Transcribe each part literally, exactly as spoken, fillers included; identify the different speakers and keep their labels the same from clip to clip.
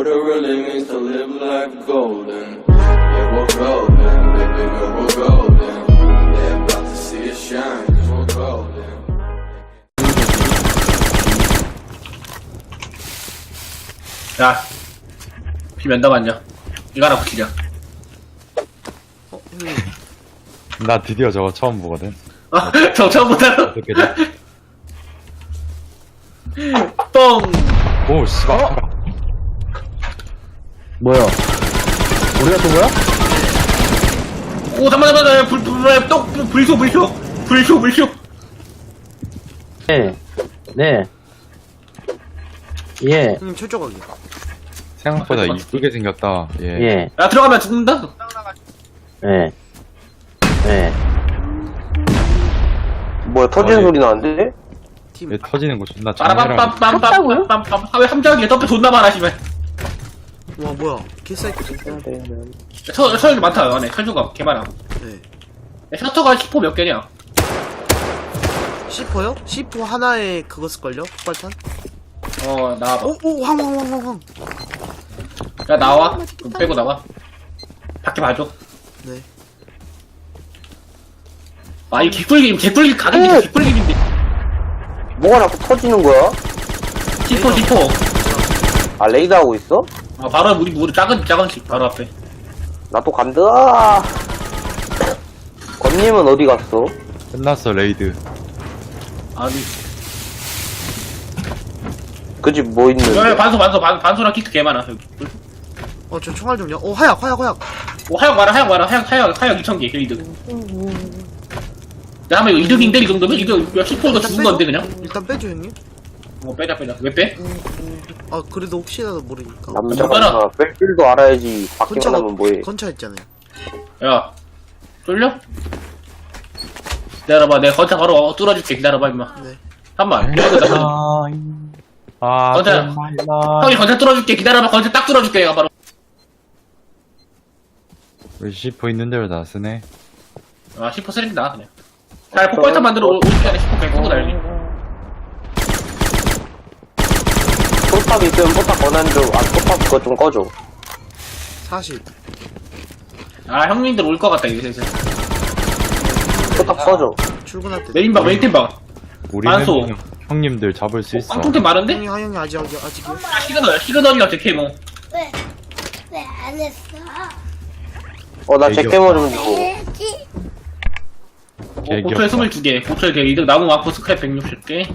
Speaker 1: what it really means to live life golden. Yeah, we're golden, baby girl, we're golden. They're about to see us shine, cause we're golden.
Speaker 2: 야, 비 면담았냐? 이거 하나 붙이자.
Speaker 3: 어, 형님.
Speaker 4: 나 드디어 저거 처음 보거든.
Speaker 2: 아, 저 처음부터.
Speaker 4: 어떻게 돼?
Speaker 2: 뻥!
Speaker 4: 오, 씨발.
Speaker 5: 뭐야? 우리가 또 뭐야?
Speaker 2: 오, 잠깐만, 잠깐만, 불, 불, 불, 또, 불, 불쇼, 불쇼. 불쇼, 불쇼.
Speaker 5: 네. 네. 예.
Speaker 3: 형님 철조각이.
Speaker 4: 생각보다 이쁘게 생겼다. 예.
Speaker 5: 예.
Speaker 2: 야, 들어가면 죽는다?
Speaker 5: 예. 예.
Speaker 6: 뭐야 터지는
Speaker 4: 어이.
Speaker 6: 소리 나는데?
Speaker 3: 팀.
Speaker 4: 얘 터지는 거 존나 장난이라.
Speaker 2: 빠라밤빰빰빰빰빰빰. 아, 왜 함정이야? 덤프 존나 많아, 씨발.
Speaker 3: 와 뭐야? 개사이클.
Speaker 2: 철, 철 많다, 안에. 철조가 개 많아.
Speaker 3: 네.
Speaker 2: 야, 셔터가 십 호 몇 개냐?
Speaker 3: 씨포요? 씨포 하나에 그거 쓸걸요? 폭발탄?
Speaker 2: 어, 나와봐.
Speaker 3: 오오 황황황황황.
Speaker 2: 야, 나와. 그럼 빼고 나와. 밖에 봐줘.
Speaker 3: 네.
Speaker 2: 아, 이 개꿀김, 개꿀김 가격이 개꿀김인데.
Speaker 6: 뭐가 자꾸 터지는 거야?
Speaker 2: 십 호, 십 호.
Speaker 6: 아 레이더 하고 있어?
Speaker 2: 어, 바로 우리, 우리 작은, 작은 집, 바로 앞에.
Speaker 6: 나 또 간다. 권님은 어디 갔어?
Speaker 4: 끝났어, 레이드.
Speaker 2: 아니.
Speaker 6: 그 집 뭐
Speaker 2: 야, 야,
Speaker 6: 있는데?
Speaker 2: 반소, 반소, 반, 반소랑 키트 개 많아, 여기.
Speaker 3: 어 저 총알 좀요. 오 하약 하약 하약.
Speaker 2: 오, 하역 많아, 하역 많아, 하역, 하역, 하역 이천 개, 이득. 야, 한번 이거 이득인데, 이 정도면? 이거, 야, 십 호 이거 죽은 건데, 그냥?
Speaker 3: 일단 빼줘 형님.
Speaker 2: 어, 빼자, 빼자. 왜 빼?
Speaker 3: 아 그래도 혹시라도 모르니까.
Speaker 6: 남자가
Speaker 2: 뭐더라?
Speaker 6: 뺄 줄도 알아야지. 밖에만 하면 뭐해?
Speaker 3: 건차 있잖아요.
Speaker 2: 야, 쫄려? 기다려봐, 내가 건차 바로 뚫어줄게, 기다려봐, 임마.
Speaker 3: 네.
Speaker 2: 잠깐만, 이거다.
Speaker 4: 아,
Speaker 2: 건차, 형이 건차 뚫어줄게, 기다려봐, 건차 딱 뚫어줄게, 내가 바로.
Speaker 4: 왜 씨포 있는 대로 다 쓰네.
Speaker 2: 아, 십 호 쓰레기 나, 그냥. 잘 폭발탄 만들어 올 시간에 십 호 그냥 끄고 달리.
Speaker 6: 포탑 있으면 포탑 권한 좀. 아 포탑 그거 좀 꺼줘.
Speaker 3: 사십.
Speaker 2: 아, 형님들 올 것 같다, 이제 슬슬.
Speaker 6: 포탑 꺼줘.
Speaker 3: 출근할 때.
Speaker 2: 메인방, 메인팀 방.
Speaker 4: 우리는
Speaker 2: 반소.
Speaker 4: 형- 형님들 잡을 수 있어.
Speaker 2: 깡통팀 많은데?
Speaker 3: 형님 형님 아직 아직 아직이요.
Speaker 2: 아, 시그널, 시그널이랑 제케모.
Speaker 7: 왜? 왜 안 했어?
Speaker 6: 어 나
Speaker 4: 애교.
Speaker 6: 제캐머 좀 줘.
Speaker 7: 해야지.
Speaker 4: 개귀엽다.
Speaker 2: 고철 스물두 개, 고철 개, 이득, 나무 마크 스크랩 백육십 개.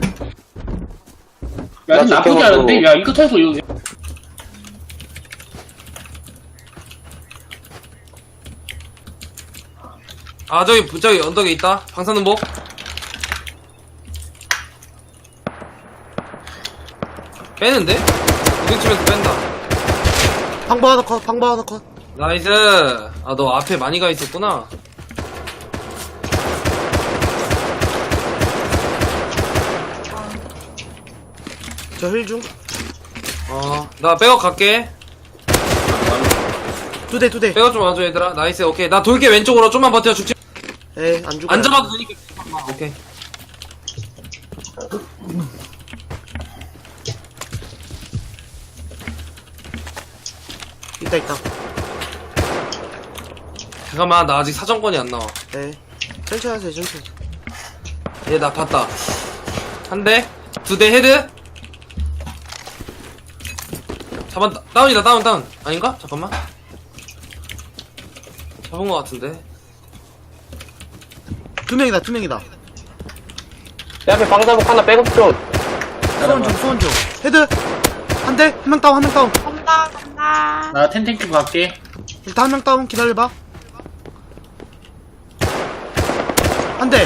Speaker 2: 야,
Speaker 6: 나
Speaker 2: 이거 나쁘지
Speaker 6: 제케모도-
Speaker 2: 않은데? 야, 이거 털고, 이거.
Speaker 8: 아 저기 저기 언덕에 있다 방사능복 빼는데? 부딪히면서 뺀다
Speaker 3: 방방 하나 컷. 방방 하나 컷.
Speaker 8: 나이스 아 너 앞에 많이 가 있었구나
Speaker 3: 저 힐 중.
Speaker 8: 어나 백업 갈게
Speaker 3: 두 대 두 대.
Speaker 8: 백업 좀 와줘 얘들아 나이스 오케이 나 돌게 왼쪽으로 좀만 버텨 죽지
Speaker 3: 에이 안 죽어.
Speaker 8: 안 잡아도 되니까 오케이
Speaker 3: 있다 있다.
Speaker 8: 잠깐만 나 아직 사정권이 안 나와
Speaker 3: 네. 천천히 하세요 천천히.
Speaker 8: 얘 나 봤다 한 대 두 대 헤드 잡았다 다운이다 다운 다운 아닌가? 잠깐만 잡은 거 같은데
Speaker 3: 두 명이다 두 명이다.
Speaker 6: 내 앞에 방사복 하나 백업 좀.
Speaker 3: 소원 중 소원 중. 헤드. 한 대. 한 명 다운 한 명 다운.
Speaker 7: 간다 간다.
Speaker 2: 나 텐텐큐 갈게.
Speaker 3: 일단 한 명 다운 기다려봐. 한 대.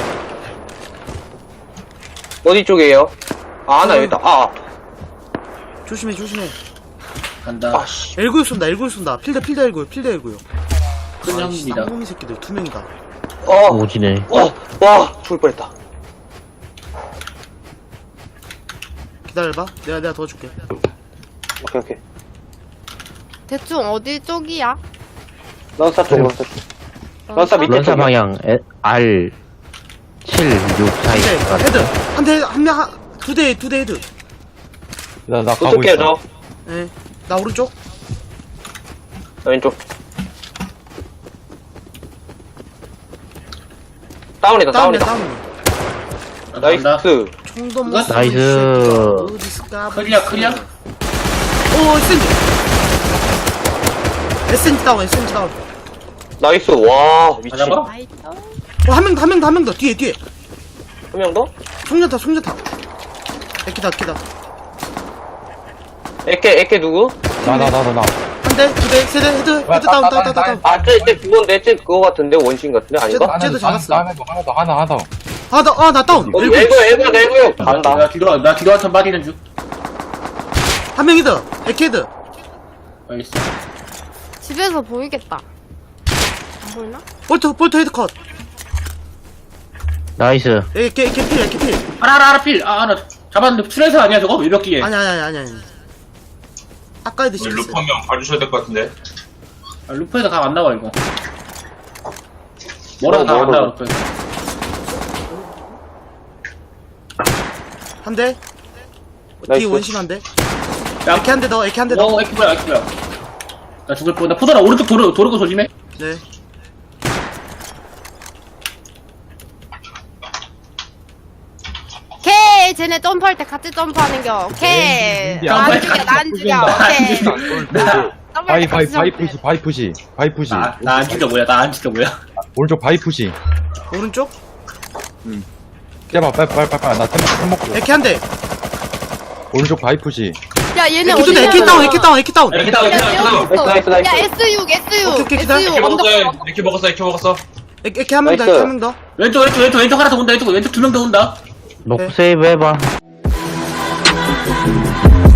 Speaker 6: 어디 쪽이에요? 아 하나 여기다. 아.
Speaker 3: 조심해 조심해.
Speaker 2: 간다.
Speaker 6: 아씨.
Speaker 3: 엘구육 쏜다 엘구육 쏜다. 필드 필드 엘구육 필드 엘구육.
Speaker 2: 큰 형입니다.
Speaker 3: 쌍놈이 새끼들 두 명이다.
Speaker 6: 어.
Speaker 5: 오지네.
Speaker 6: 와. 와. 죽을 뻔했다.
Speaker 3: 기다려봐. 내가 내가 도와줄게.
Speaker 6: 오케이 오케이.
Speaker 7: 대충 어디 쪽이야?
Speaker 6: 런사 쪽 런사 쪽. 런사 밑에
Speaker 5: 런사
Speaker 6: 쪽이야.
Speaker 5: 방향 에, R 칠, 육 사이
Speaker 3: 한 대.
Speaker 5: 같아.
Speaker 3: 헤드. 한 대 한 명 한 두 대 두 대 헤드.
Speaker 4: 나, 나 가고
Speaker 6: 어떻게
Speaker 4: 있어.
Speaker 6: 해줘?
Speaker 3: 예. 나 오른쪽.
Speaker 6: 왼쪽. 다운이다,
Speaker 3: 다운이야,
Speaker 6: 다운이다.
Speaker 3: 다운.
Speaker 6: 나이스.
Speaker 3: 총도 못
Speaker 2: 이거?
Speaker 3: 쏘고
Speaker 5: 나이스.
Speaker 3: 있을 어디 있을까?
Speaker 2: 클리어 클리어.
Speaker 3: 오, 에스엔지. 에스엔지 다운, 에스엔지 다운.
Speaker 6: 나이스. 와, 미친.
Speaker 2: 가자고?
Speaker 7: 나이스.
Speaker 3: 어, 한 명 더, 한 명 더, 한 명 더. 뒤에, 뒤에.
Speaker 6: 한 명 더?
Speaker 3: 총전타, 총전타. 에키다, 에키다.
Speaker 6: 에케, 에케 누구?
Speaker 4: 나 나 나 나나
Speaker 3: 한 대, 두 대, 세 대, 헤드, 헤드 다운, 다운, 다운, 다운.
Speaker 6: 아, 쟤, 쟤 그건데, 쟤 그거 같은데? 원신 같은데? 아닌가?
Speaker 3: 쟤도 잡았어.
Speaker 4: 하나 더 하나 더 하나 하나 더
Speaker 3: 아, 나, 아, 나 다운.
Speaker 6: 어디,
Speaker 3: 일곱.
Speaker 6: 애고, 애고, 애고. 간다.
Speaker 2: 나 뒤로 나 뒤로 한턴 빠지는 중.
Speaker 3: 한 명 헤드, 에키 헤드.
Speaker 2: 알겠어.
Speaker 7: 집에서 보이겠다. 안 보이나?
Speaker 3: 볼트, 볼트 헤드 컷.
Speaker 5: 나이스.
Speaker 3: 에키, 에키 필, 에키 필.
Speaker 2: 하나 하나 하나 필. 아 하나 잡았는데 트레이서 아니야 저거? 외벽기에.
Speaker 3: 아니, 아니, 아니, 아니, 아니. 아까 헤드 시켰어.
Speaker 9: 루프 한 명 봐주셔야 될 것 같은데.
Speaker 2: 아, 루프에서 각 안 나와 이거. 뭐라도 각안 나와 루프에서.
Speaker 3: 한 대. 뒤
Speaker 6: 나이스.
Speaker 3: 원심 한 대.
Speaker 2: 야,
Speaker 3: 에키 한 대 더, 에키 한 대 더.
Speaker 2: 어, 에키보야, 에키보야. 나 죽을 뻔. 나 포도라 오른쪽 도로 도로고 조심해.
Speaker 3: 네.
Speaker 7: 오케이. 쟤네 점프할 때 같이 점프하는 겨. 오케이. 나안 죽여, 나안 죽여. 오케이. 점프할
Speaker 4: 바이
Speaker 7: 때
Speaker 4: 바이
Speaker 7: 같이
Speaker 4: 바이
Speaker 7: 점프해.
Speaker 4: 푸시 바이 푸시 바이 푸시
Speaker 2: 나 나 안 죽여 뭐야? 나 안 죽여 뭐야?
Speaker 4: 오른쪽 바이 푸시
Speaker 3: 오른쪽.
Speaker 4: 떼봐 빨리 빨리 빨리 빨리 나 템 먹고
Speaker 3: 에키 한 대.
Speaker 4: 오른쪽 바이 푸시
Speaker 7: 야, 얘네
Speaker 3: 에키 두
Speaker 7: 어디
Speaker 3: 대, 에키 다운, 에키 다운, 에키 다운.
Speaker 2: 이렇게 다운, 이렇게 다운, 이렇게 다운.
Speaker 6: 나이스, 나이스,
Speaker 7: 야,
Speaker 6: 나이스.
Speaker 7: 에스 육, 에스 육.
Speaker 3: 오케이, 오케이, 기다려.
Speaker 7: 에스 육.
Speaker 9: 이렇게
Speaker 7: 언덕,
Speaker 9: 먹었어요.
Speaker 7: 언덕.
Speaker 9: 이렇게 먹었어. 이렇게 먹었어.
Speaker 3: 에키, 에키 한 명 더,
Speaker 6: 나이스.
Speaker 3: 에키 한 명 더.
Speaker 2: 왼쪽 왼쪽 왼쪽 왼쪽 하나 더 온다. 왼쪽 왼쪽 두 명 더 온다.
Speaker 5: 녹 세이브 해봐.